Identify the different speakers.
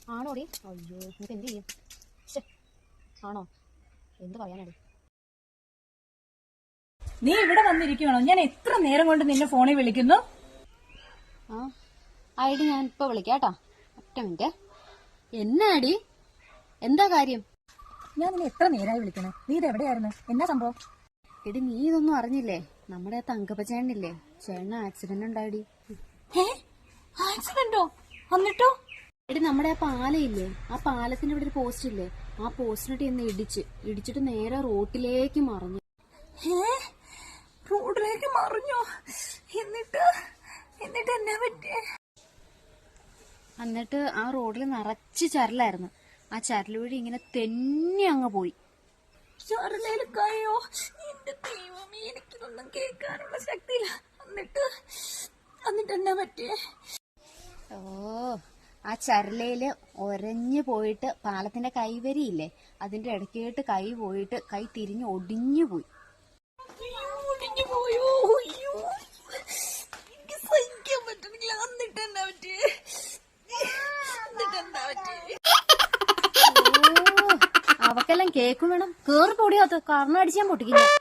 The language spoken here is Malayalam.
Speaker 1: ആണോടി? അയ്യോ, നമുക്ക് എന്ത് ചെയ്യും? ആണോ? എന്ത് പറയാനാടി?
Speaker 2: നീ ഇവിടെ വന്നിരിക്കണോ? ഞാൻ എത്ര നേരം കൊണ്ട് നിന്നെ ഫോണിൽ വിളിക്കുന്നു.
Speaker 1: ഐഡി ഞാൻ ഇപ്പൊ വിളിക്കാട്ടോ. ഒറ്റ മിനിറ്റ്. എന്നാടി? എന്താ കാര്യം?
Speaker 2: ഞാൻ നിന്നെ എത്ര നേരമായി വിളിക്കണേ. നീ ഇത് എവിടെയായിരുന്നു? എന്നാ സംഭവം?
Speaker 1: എടി, നീ ഇതൊന്നും അറിഞ്ഞില്ലേ? നമ്മുടെ തങ്കപ്പ ചേട്ടനില്ലേ, ചേട്ടന് ആക്സിഡന്റ് ഉണ്ടായിടി.
Speaker 2: ആക്സിഡന്റോ? എന്നിട്ടോ?
Speaker 1: എടി, നമ്മുടെ ആ പാലയില്ലേ, ആ പാലത്തിന്റെ ഇവിടെ ഒരു പോസ്റ്റ് ഇല്ലേ, ആ പോസ്റ്റിനിട്ട് ഇന്ന് ഇടിച്ചിട്ട് നേരെ റോട്ടിലേക്ക് മറിഞ്ഞു.
Speaker 2: റോഡിലേക്ക് മറിഞ്ഞോ? എന്നിട്ട് എന്നാ പറ്റിയേ?
Speaker 1: എന്നിട്ട് ആ റോഡിൽ നിറച്ച് ചരലായിരുന്നു. ആ ചരൽ വഴി ഇങ്ങനെ തെന്നി അങ്ങ് പോയി.
Speaker 2: ചരലയിൽ കയ്യോ? എന്റെ ദൈവമേ, എനിക്കിതൊന്നും കേൾക്കാനുള്ള ശക്തിയില്ല. എന്നിട്ട് എന്നാ പറ്റിയേ?
Speaker 1: ആ ചരലയില് ഒരഞ്ഞു പോയിട്ട് പാലത്തിന്റെ കൈവരിയില്ലേ, അതിന്റെ ഇടയ്ക്കായിട്ട് കൈ പോയിട്ട് കൈ തിരിഞ്ഞ് ഒടിഞ്ഞു പോയി.
Speaker 2: ഒടിഞ്ഞു പോയോ? അയ്യോ, എനിക്ക് സഹിക്കാൻ പറ്റുന്നില്ല. എന്നിട്ട് എന്നാ പറ്റിയേ?
Speaker 1: അവക്കെല്ലാം കേക്കും വേണം. കേറി പൊടിയാത്ത കാരണം അടിച്ചാൻ പൊട്ടിക്കില്ല.